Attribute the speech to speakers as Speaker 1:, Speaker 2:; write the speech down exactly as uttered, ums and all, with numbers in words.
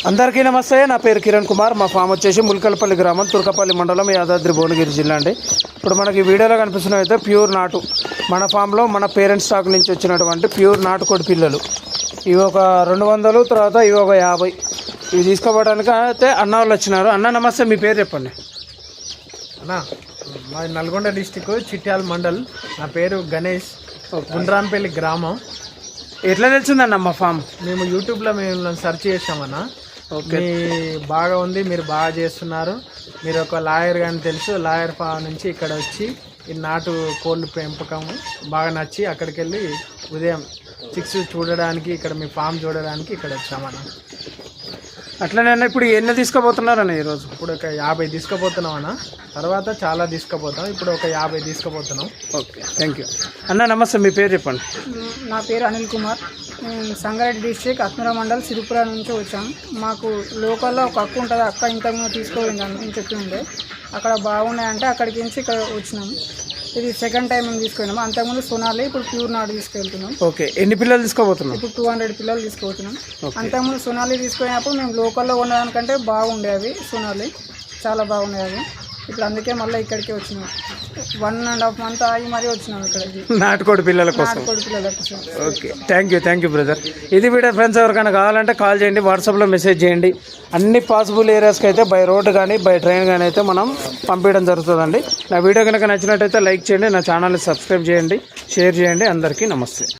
Speaker 1: అందరికీ నమస్తే. నా పేరు కిరణ్ కుమార్. మా ఫామ్ వచ్చేసి ముల్కలపల్లి గ్రామం, తుర్కపల్లి మండలం, యాదాద్రి భువనగిరి జిల్లా అండి. ఇప్పుడు మనకి వీడియోలో కనిపిస్తున్నవి అయితే ప్యూర్ నాటు, మన ఫామ్లో మన పేరెంట్స్ స్టాక్ నుంచి వచ్చినటువంటి ప్యూర్ నాటుకోడి పిల్లలు. ఇవి ఒక రెండు వందలు, తర్వాత ఇవి ఒక యాభై. ఇవి తీసుకోవడానికి అయితే అన్న వాళ్ళు వచ్చినారు. అన్న నమస్తే, మీ పేరు చెప్పండి.
Speaker 2: అన్న మాది నల్గొండ డిస్టిక్ చిట్యాల మండల్. నా పేరు గణేష్, గుండ్రాంపల్లి గ్రామం.
Speaker 1: ఎట్లా తెలిసిందన్న మా ఫామ్?
Speaker 2: మేము యూట్యూబ్లో మేము సెర్చ్ చేసామన్న. ఓకే, బాగా ఉంది, మీరు బాగా చేస్తున్నారు, మీరు ఒక లాయర్ కానీ తెలుసు, లాయర్ ఫామ్ నుంచి ఇక్కడ వచ్చి ఈ నాటు కోళ్ళు పెంపకం బాగా నచ్చి అక్కడికి వెళ్ళి ఉదయం చిక్స్ చూడడానికి, ఇక్కడ మీ ఫామ్ చూడడానికి ఇక్కడ వచ్చామన్న.
Speaker 1: అట్లనే అన్న, ఇప్పుడు ఎన్ని తీసుకోబోతున్నారన్న ఈరోజు?
Speaker 2: ఇప్పుడు ఒక యాభై తీసుకుపోతున్నాం అన్న, తర్వాత చాలా తీసుకుపోతాం. ఇప్పుడు ఒక యాభై తీసుకుపోతున్నాం.
Speaker 1: ఓకే, థ్యాంక్ యూ అన్న. నమస్తే, మీ పేరు చెప్పండి.
Speaker 3: నా పేరు అనిల్ కుమార్. నేను సంగారెడ్డి డిస్ట్రిక్ట్ అత్మరా మండల్ సిరిపుర నుంచి వచ్చాం. మాకు లోకల్లో ఒక అక్క ఉంటుంది, అక్క ఇంతకుముందు తీసుకోవాలి అని చెప్పి ఉండే, అక్కడ బాగున్నాయంటే అక్కడికి నుంచి ఇక్కడ వచ్చినాం. ఇది సెకండ్ టైం మేము తీసుకున్నాము. అంతకుముందు సోనాలి, ఇప్పుడు ప్యూర్ నాటు తీసుకెళ్తున్నాం.
Speaker 1: ఓకే, ఎన్ని పిల్లలు తీసుకోబోతున్నాం?
Speaker 3: ఇప్పుడు టూ హండ్రెడ్ పిల్లలు తీసుకుపోతున్నాం. అంతకుముందు సోనాలి తీసుకున్నప్పుడు మేము లోకల్లో ఉండడానికంటే బాగుండేవి. సోనాలి చాలా బాగున్నాయి అవి. ఇప్పుడు అందుకే మళ్ళీ ఇక్కడికి వచ్చినాం. వన్ అండ్ హాఫ్ మంత్ ఆగి మరీ వచ్చినాం ఇక్కడికి
Speaker 1: నాటుకోడి పిల్లల కోసం.
Speaker 3: నాటుకోడి పిల్లల కోసం.
Speaker 1: Okay, thank you thank you brother. ఇది వీడియో ఫ్రెండ్స్, ఎవరికైనా కావాలంటే కాల్ చేయండి, వాట్సాప్లో మెసేజ్ చేయండి. అన్ని పాసిబుల్ ఏరియాస్కి అయితే బై రోడ్ కానీ బై ట్రైన్ కానీ అయితే మనం పంపించడం జరుగుతుందండి. నా వీడియో కనుక నచ్చినట్టయితే లైక్ చేయండి, నా ఛానల్ని సబ్స్క్రైబ్ చేయండి, షేర్ చేయండి. అందరికీ నమస్తే.